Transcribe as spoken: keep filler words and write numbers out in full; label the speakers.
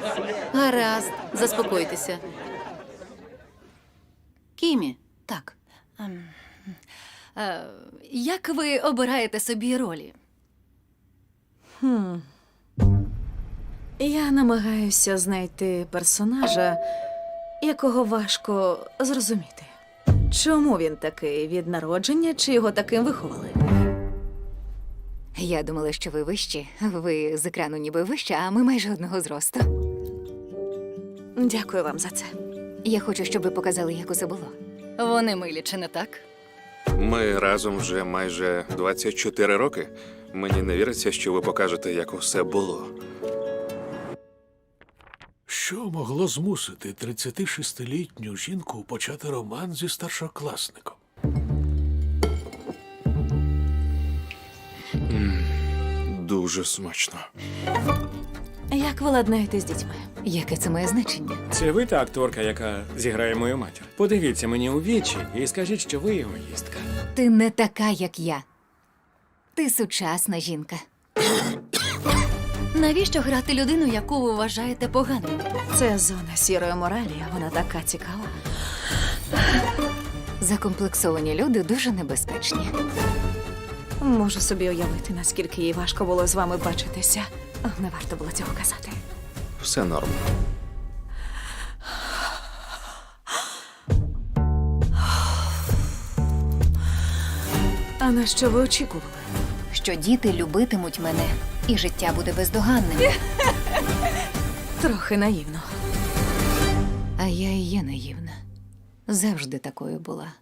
Speaker 1: Гаразд, заспокойтеся. Кімі, так.
Speaker 2: Е, як ви обираєте собі ролі?
Speaker 3: Я намагаюся знайти персонажа, якого важко зрозуміти. Чому він такий від народження, чи його таким виховали?
Speaker 4: Я думала, що ви вищі. Ви з екрану ніби вища, а ми майже одного зросту.
Speaker 3: Дякую вам за це.
Speaker 4: Я хочу, щоб ви показали, як усе було.
Speaker 2: Вони милі, чи не так?
Speaker 5: Ми разом вже майже двадцять чотири роки. Мені не віриться, що ви покажете, як усе було.
Speaker 6: Що могло змусити тридцятишестилітню жінку почати роман зі старшокласником?
Speaker 5: Дуже смачно.
Speaker 3: Як ви ладнаєте з дітьми?
Speaker 4: Яке це має значення?
Speaker 7: Це ви та акторка, яка зіграє мою матір? Подивіться мені у вічі і скажіть, що ви егоїстка.
Speaker 4: Ти не така, як я. Ти сучасна жінка.
Speaker 2: Навіщо грати людину, яку ви вважаєте поганою?
Speaker 3: Це зона сірої моралі, а вона така цікава.
Speaker 4: Закомплексовані люди дуже небезпечні.
Speaker 3: Можу собі уявити, наскільки їй важко було з вами бачитися. Не варто було цього казати.
Speaker 5: Все норм.
Speaker 3: А на що ви очікували?
Speaker 4: Що діти любитимуть мене, і життя буде бездоганним.
Speaker 3: Трохи наївно.
Speaker 4: А я і є наївна. Завжди такою була.